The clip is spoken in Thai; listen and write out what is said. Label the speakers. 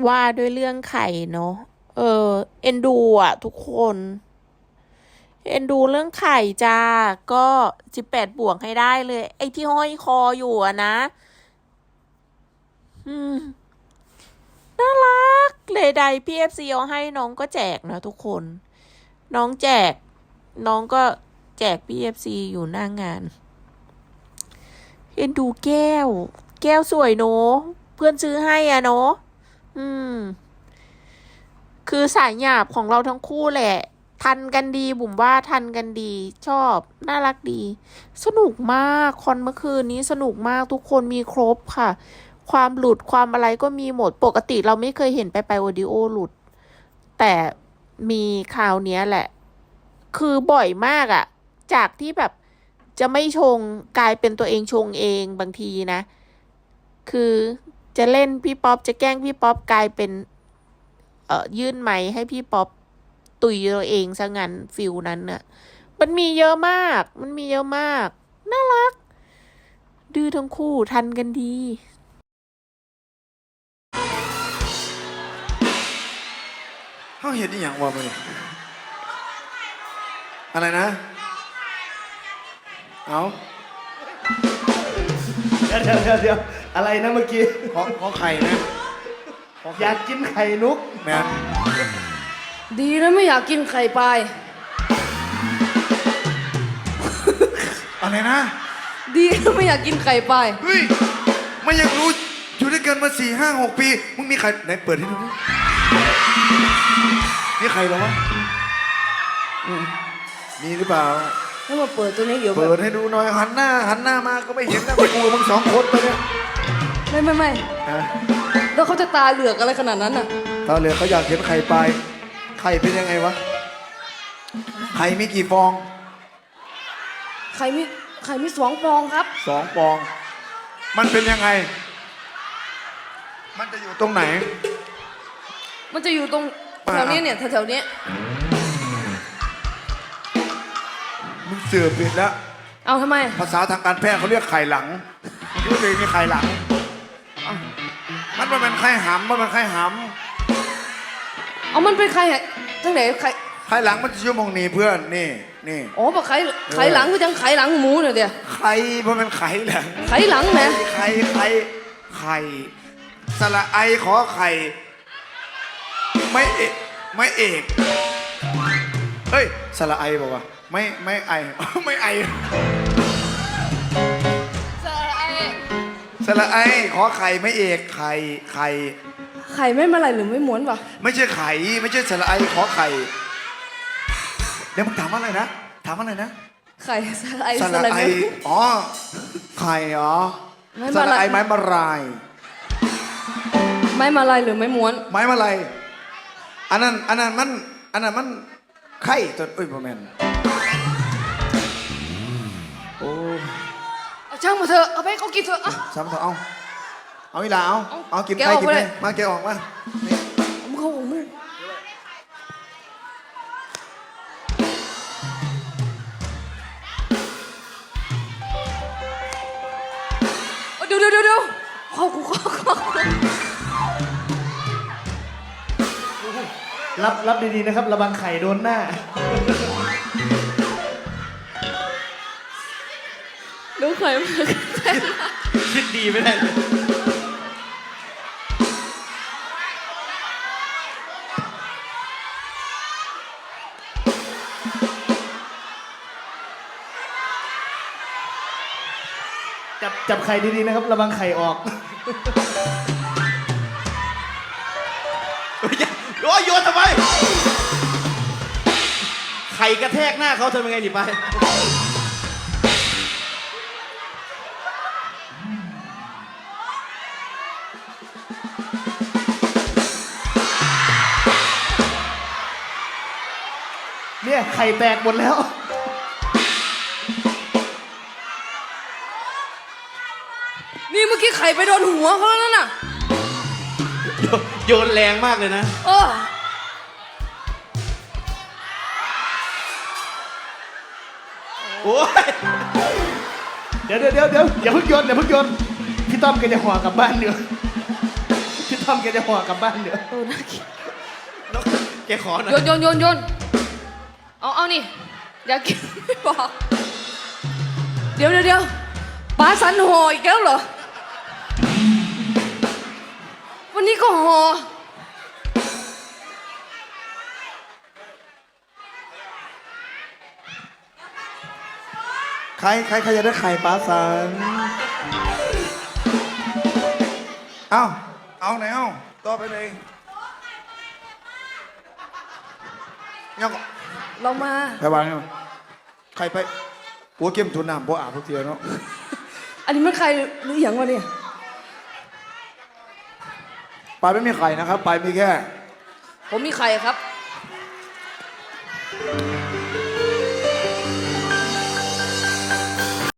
Speaker 1: ว่าด้วยเรื่องไข่เนาะเออเอ็นดูอ่ะทุกคนเอ็นดูเรื่องไข่จ้าก็18 บวกให้ได้เลยไอ้ที่ห้อยคออยู่อะนะอืมน่ารักเลยใดพี่เอฟซีเอาให้น้องก็แจกนะทุกคนน้องแจกน้องก็แจกพี่เอฟซีอยู่หน้างานเอ็นดูแก้วแก้วสวยเนอะเพื่อนซื้อให้อ่ะเนอะอืม คือสายหยาบของเราทั้งคู่แหละทันกันดีบุ๋มว่าทันกันดีชอบน่ารักดีสนุกมากคอนเมื่อคืนนี้สนุกมากทุกคนมีครบค่ะความหลุดความอะไรก็มีหมดปกติเราไม่เคยเห็นไปโอดิโอหลุดแต่มีคราวเนี้ยแหละคือบ่อยมากอะจากที่แบบจะไม่ชงกลายเป็นตัวเองชงเองบางทีนะคือจะเล่นพี่ป๊อปจะแกล้งพี่ป๊อปกลายเป็น ยื่นไมค์ให้พี่ป๊อปตุยตัวเองซะงั้นฟิลนั้นน่ะมันมีเยอะมากมันมีเยอะมากน่ารักดื้อทั้งคู่ทันกันดี
Speaker 2: เขาเห็นอีหยังวะมันอะไรนะเอา
Speaker 3: เดี๋ยวอะไรนะเมื่อกี้
Speaker 2: ขอไข่นะ
Speaker 3: อยากกินไข่นุก
Speaker 2: แม่
Speaker 4: ดีนะไม่อยากกินไข่ปลาย
Speaker 2: อะไรนะ
Speaker 4: ดีนะไม่อยากกินไข่ปลาย
Speaker 2: เฮ้ยไม่อยากรู้อยู่ด้วยกันมา4, 5, 6 ปีมึงมีไข่ไหนเปิดให้ดูดินี่ไข่เหรอวะมีหรือเปล่า
Speaker 4: ถ้ามาเปิดตัวนี้เดี๋ยว
Speaker 2: เปิดให้ดูหน่อยหันหน้ามาก็ไม่เห็นนะไปกูมึง2 คนไปเนี่ย
Speaker 4: ไม่แล้วเขาจะตาเหลือกอะไรขนาดนั้นน่ะ
Speaker 2: ตาเหลือเขาอยากเห็นไข่ปลายไข่เป็นยังไงวะไข่มีกี่ฟอง
Speaker 4: ไข่มี2 ฟองครับ
Speaker 2: 2 ฟองมันเป็นยังไงมันจะอยู่ตรงไหน
Speaker 4: มันจะอยู่ตรงแถวนี้เนี่ยแถวๆนี้
Speaker 2: มึงเสือผิดแล้ว
Speaker 4: เอาทำไม
Speaker 2: ภาษาทางการแพทย์เขาเรียกไข่หลังมันรู้เลยมีไข่หลังมันเป็นไข่หำมันเป็นไข่ห
Speaker 4: เอามันเป็นไข่ทั้งไหน
Speaker 2: ไข่หลังมันจะชั่วโมงนี้เพื่อนนี่
Speaker 4: อ๋อปะไข่หลังคือจังไข่หลังหมูเนี่ยเดียว
Speaker 2: ไข่มันเป็นไข่หลัง
Speaker 4: ไข่หลังไหม
Speaker 2: ไข่สระไอขอไข่ไม่เอกเฮ้ยสระไอบอกว่าไม่ไอไม่ไอสระไอขอไข่ไม่เอกไข่
Speaker 4: ไม่มาลายหรือไม่ม้วนวะ
Speaker 2: ไม่ใช่ไข่ไม่ใช่สระไอขอไข่เดี๋ยวมึงถามว่าอะไรนะ
Speaker 4: ไข่สระไอ
Speaker 2: อ๋อไข่เหรอสระไอไม้มาลาย
Speaker 4: ไม่มาลายหรือไม่ม้วน
Speaker 2: ไม้มาลายอันนั้นมันไข่ตัวประมาณโอ้
Speaker 4: ช่างมาเถอะเอาไปเขากินเถอะ
Speaker 2: ซ้ำเถอะเอาอีหล่าเอากินไข่กินเลยมาแกออกมา
Speaker 4: มึงเขาของมึงเดี๋ยวเข้า
Speaker 3: รับดีๆนะครับระวังไข่โดนหน้า
Speaker 4: ดูไข่มา
Speaker 3: คิดดีไม่ได้เลยจับไข่ดีๆนะครับระวังไข่ออก
Speaker 5: โอ้ยโยนทำไมไข่กระแทกหน้าเขาทำยังไงดิไป
Speaker 3: เนี่ยไข่แตกหมดแล้ว
Speaker 4: นี่เมื่อกี้ไข่ไปโดนหัวเขาแล้วนั่นน่ะ
Speaker 5: โยนแรงมากเลยนะโอ้ย
Speaker 3: เดี๋ยวอย่าเพิ่งโยนพี่ต้อมแกจะห่อกลับบ้านเดี๋ยวพี่ทำแกจะห่อกลับบ้านเดี๋ยว
Speaker 4: โอ้น่าเกลียด
Speaker 5: แล้วแกขอหน่อย
Speaker 4: โยนเอานี่อยากกินไม่บอกเดี๋ยวป้าสันห่ออีกแล้วเหรอวันนี้ก็ห่อ
Speaker 2: ใครจะได้ไข่ปลาสันเอาไหนเอาต่อไปเลยยังก็
Speaker 4: เรามา
Speaker 2: ไปวางยังใครไปปัวเข้มทุนน้ำปัวอาบทุกเทียเนาะ
Speaker 4: อันนี้มันใครหรืออย่างวะเนี่ย
Speaker 2: ปลาไม่มีไข่นะครับปลามีแค่
Speaker 4: ผมมีไข่ครับ